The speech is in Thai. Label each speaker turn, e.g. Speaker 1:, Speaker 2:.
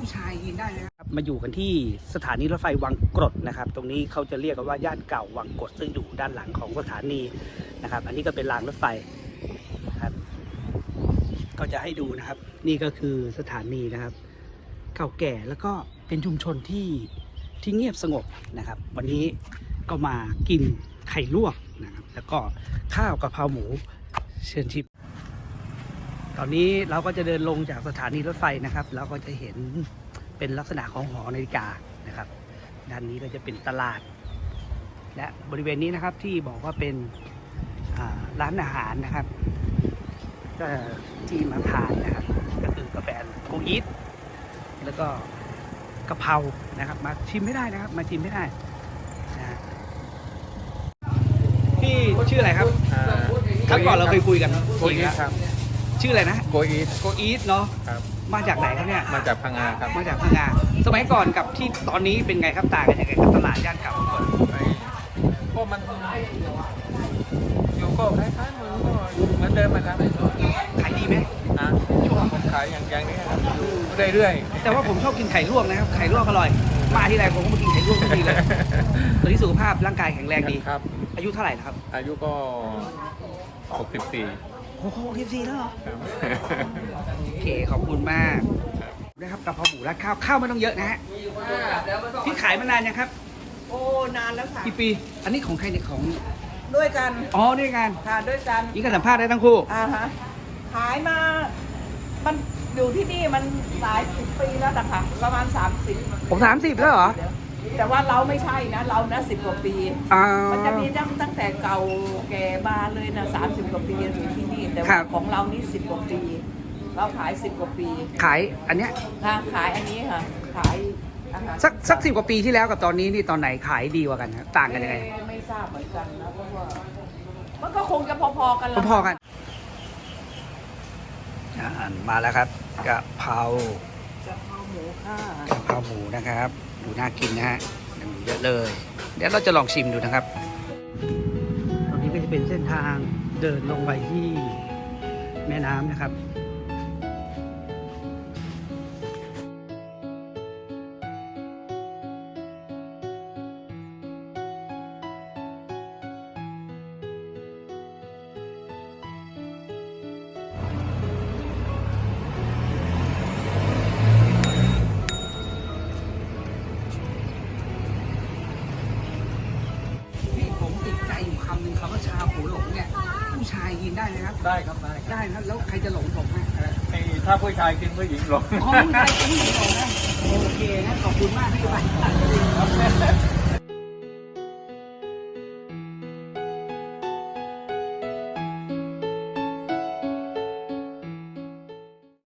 Speaker 1: ชายยืนได้นะครับมาอยู่กันที่สถานีรถไฟวังกรดนะครับตรงนี้เขาจะเรียกกันว่าย่านเก่าวังกรดซึ่งอยู่ด้านหลังของสถานีนะครับอันนี้ก็เป็นรางรถไฟนะครับก็จะให้ดูนะครับนี่ก็คือสถานีนะครับเก่าแก่แล้วก็เป็นชุมชนที่เงียบสงบนะครับวันนี้ก็มากินไข่ลวกนะครับแล้วก็ข้าวกะเพราหมูเชิญชิมตอนนี้เราก็จะเดินลงจากสถานีรถไฟนะครับเราก็จะเห็นเป็นลักษณะของหอนาฬิกานะครับด้านนี้ก็จะเป็นตลาดและบริเวณนี้นะครับที่บอกว่าเป็นร้านอาหารนะครับก็ที่มาทานนะครับก็คือกาแฟโกอีทแล้วก็กะเพรานะครับมาชิมไม่ได้นะครับมาชิมไม่ได้นะพี่ชื่ออะไรครับครั้งก่อนเราเคยคุยกัน
Speaker 2: โกอีทครับ
Speaker 1: ชื่ออะไรนะ
Speaker 2: โกอีท
Speaker 1: เนาะ
Speaker 2: ครับ
Speaker 1: มาจากไหนครับเนี่ย
Speaker 2: มาจากพังงาครับ
Speaker 1: มาจากพังงาสมัยก่อนกับที่ตอนนี้เป็นไงครับต่างกันยังไงครับตลาดย่านเก่าก่อน
Speaker 2: ก็มันอยู่ก็คล้ายๆมันก็เหมือนเดิมนะครับ
Speaker 1: ขายดีไหม
Speaker 2: ช่วงผมขายอย่างนี้ครับเรื่อย
Speaker 1: ๆแต่ว่าผมชอบกินไข่ลวกนะครับไข่ลวกอร่อยมาที่ไรผมก็มากินไข่ลวกทุกทีเลยตอนนี้สุขภาพร่างกายแข็งแรงดี
Speaker 2: ครับ
Speaker 1: อายุเท่าไหร่ครับ
Speaker 2: อายุก็64
Speaker 1: โอ้โห64แล้วเหรอโอเคขอบคุณมากนะครับกะเพราหมูราดข้าวไม่ต้องเยอะนะฮะพี่ขายมานานยังครับ
Speaker 3: โอ้นานแล้วค่ะ
Speaker 1: กี่ปีอันนี้ของใครเนี่ยของ
Speaker 3: ด้วยกัน
Speaker 1: อ๋อด้วยกัน
Speaker 3: ค่ะด้วยกัน
Speaker 1: นี่ก็สัมภาษณ์ได้ทั้งคู่
Speaker 3: ฮะขายมามันอยู่ที่นี่มันหลาย10 ปีแล้วนะคะประมาณ30
Speaker 1: ผม30แล้วเหรอ
Speaker 3: แต่ว่าเราไม่ใช่นะเรานะ10 กว่าปีมันจะมีตั้งแต่เก่าแก่มาเลยนะ30 กว่าปีอยู่ที่นี่แต่ว่าของเรานี่10 กว่าปีเราขาย10 กว่าปี
Speaker 1: ขายอันเนี้ย
Speaker 3: ค่ะขายอันนี้ค่ะขาย
Speaker 1: สัก10 กว่าปีที่แล้วกับตอนนี้นี่ตอนไหนขายดีกว่ากันครับต่างกันยังไง
Speaker 3: ไม่ทราบเหมือนกันนะเพราะว่ามันก็คงจะพอๆกัน
Speaker 1: พอๆกันมาแล้วครับกะเพรา
Speaker 3: หมูค่ะ
Speaker 1: กะเพราหมูนะครับดูน่ากินนะฮะเยอะเลยเดี๋ยวเราจะลองชิมดูนะครับตรงนี้ก็จะเป็นเส้นทางเดินลงไปที่แม่น้ำนะครับคำหนึ่งคำว่าชาหูหลงเนี่ยผู้ชายกินได้ไหมครับ
Speaker 2: ได้ครับ
Speaker 1: ได้ครับแล้วใครจะหลงผมฮะ
Speaker 2: ถ้าผู้ชายกินผู้หญิงหลง
Speaker 1: ผู้ชายกินผู้หญิงหลงนะโอเคนะขอบคุณมากที่ไป